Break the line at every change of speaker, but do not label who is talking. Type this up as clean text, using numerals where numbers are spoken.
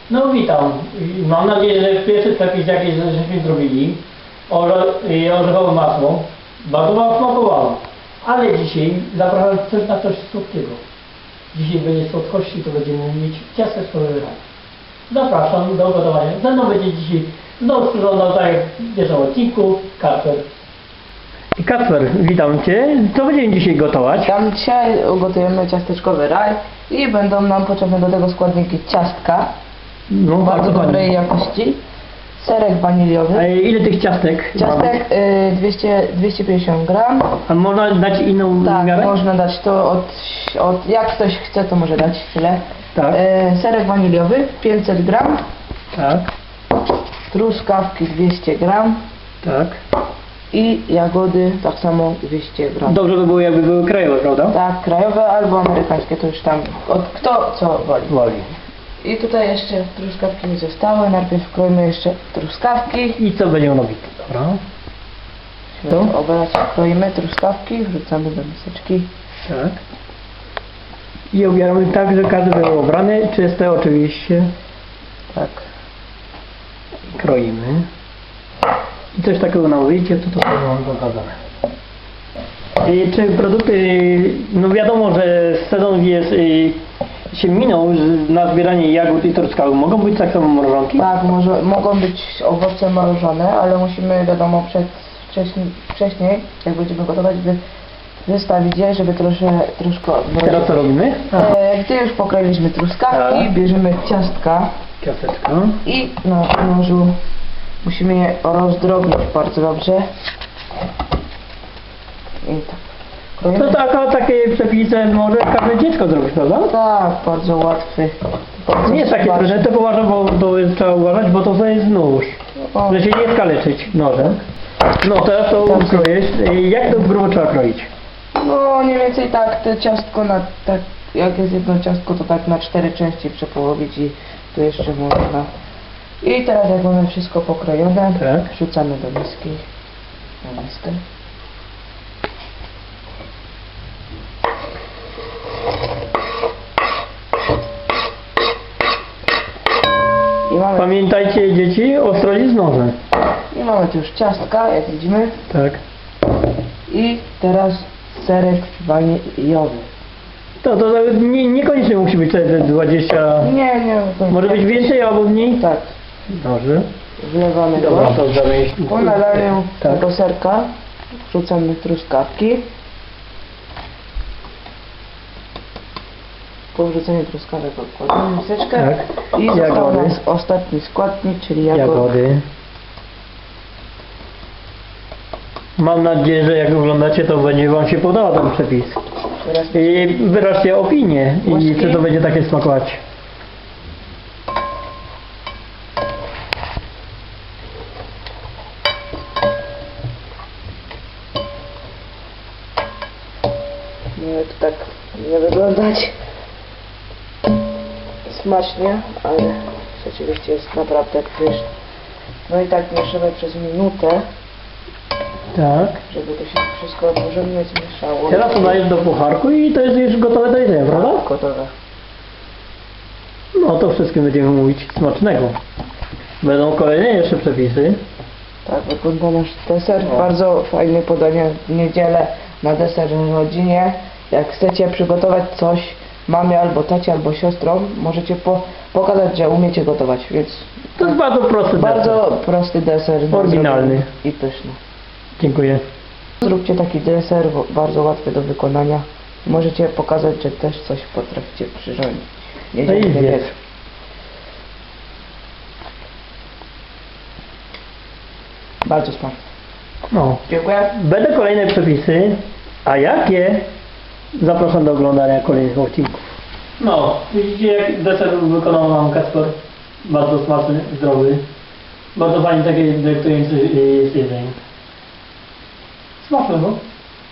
No witam. Mam nadzieję, że pierwszy przepis jakiś żeśmy zrobili, orzechowe masło, bardzo wam smakowało. Ale dzisiaj zapraszam na coś słodkiego. Dzisiaj będzie słodkości, to będziemy mieć ciasteczkowy raj. Zapraszam do gotowania. Ze mną będzie dzisiaj znowu sprzątał, tak jak w pierwszym odcinku, Kacper. Kacper, witam Cię. Co będziemy dzisiaj gotować?
Tam dzisiaj ugotujemy ciasteczkowy raj i będą nam potrzebne do tego składniki ciastka
No,
bardzo dobrej jakości, serek waniliowy.
A ile tych ciastek?
Ciastek 250 gram.
A można dać inną
Tak,
miarę?
można dać to jak ktoś chce, to może dać tyle.
Tak.
Serek waniliowy 500 gram,
Tak,
truskawki 200 gram
tak.
i jagody tak samo 200 gram.
Dobrze by było, jakby były krajowe, prawda?
Tak, krajowe albo amerykańskie, to już tam kto co woli.
Woli.
I tutaj jeszcze truskawki mi zostały. Najpierw kroimy jeszcze truskawki.
I co będziemy robić? Dobra.
To obrać, kroimy truskawki, wrzucamy do miseczki.
Tak. I obieramy tak, że każdy był obrany, czyste oczywiście.
Tak.
Kroimy. I coś takiego nałożycie, to mam pokazane. Czy produkty, no wiadomo, że sezon jest, się minął na zbieranie jagód i truskawek. Mogą być tak samo mrożonki?
Tak, mogą być owoce mrożone, ale musimy, wiadomo, wcześniej, jak będziemy gotować, wystawić je, żeby troszkę mrozić.
Teraz co robimy?
Gdy już pokroiliśmy truskawki,
Tak.
bierzemy ciastka
Ciasteczko.
i na nożu musimy je rozdrobnić bardzo dobrze. I tak. Kroimy.
To takie przepisy może każde dziecko zrobić, prawda?
Tak, bardzo łatwy. Bardzo
Nie jest takie
smaczny.
trudne, to uważam, bo to jest, trzeba uważać, bo to jest nóż.
O,
Że się nie skaleczyć nożem. No teraz to
Tak.
kroisz. Jak to grubo trzeba kroić?
No mniej więcej tak, te ciastko tak, jak jest jedno ciastko, to tak na 4 części przepołowić i tu jeszcze można. I teraz jak mamy wszystko pokrojone,
Tak.
wrzucamy do miski. Na miskę.
Pamiętajcie dzieci, ostrożnie z nożem.
I mamy tu już ciastka, jak widzimy.
Tak.
I teraz serek waniliowy.
To niekoniecznie musi być te 20...
Nie, to
Może być więcej albo mniej?
Tak,
Dobrze.
wlewamy go.
Dobra, to zamieść.
Po nalaniu
Tak.
tego serka wrzucamy truskawki. Po wrzuceniu truskawek odkładamy miseczkę.
Tak.
I został
Jagody.
nas ostatni składnik, czyli jagody.
Jagody. Mam nadzieję, że jak oglądacie, to będzie wam się podobał ten przepis.
Teraz
I wyraźcie opinię i
Łoski.
czy to będzie takie smakować.
może to tak nie wyglądać smacznie, ale rzeczywiście jest naprawdę pyszne. No i tak mieszamy przez minutę,
Tak.
żeby to się wszystko porządnie zmieszało.
Teraz to dajesz do pucharku i to jest już gotowe do jedzenia, prawda?
Gotowe.
No to wszystkim będziemy mówić smacznego. Będą kolejne jeszcze przepisy.
Tak wygląda nasz deser. Bardzo fajne podanie w niedzielę na deser w rodzinie. Jak chcecie przygotować coś mamie albo tacie albo siostrom, możecie pokazać, że umiecie gotować, więc
To jest bardzo prosty
bardzo
deser.
prosty deser. do
Oryginalny.
zrobienia i pyszny.
Dziękuję.
Zróbcie taki deser, bardzo łatwy do wykonania. Możecie pokazać, że też coś potraficie przyrządzić.
No i
Niedzielny
zjedz.
wieczór. Bardzo smaczny.
No.
Dziękuję.
Będą kolejne przepisy, a jakie? Zapraszam do oglądania kolejnych odcinków. No, widzicie jak deser wykonał nam Kacper. Bardzo smaczny, zdrowy. Bardzo fajnie takie delektujące jest jedzenie. Smacznego.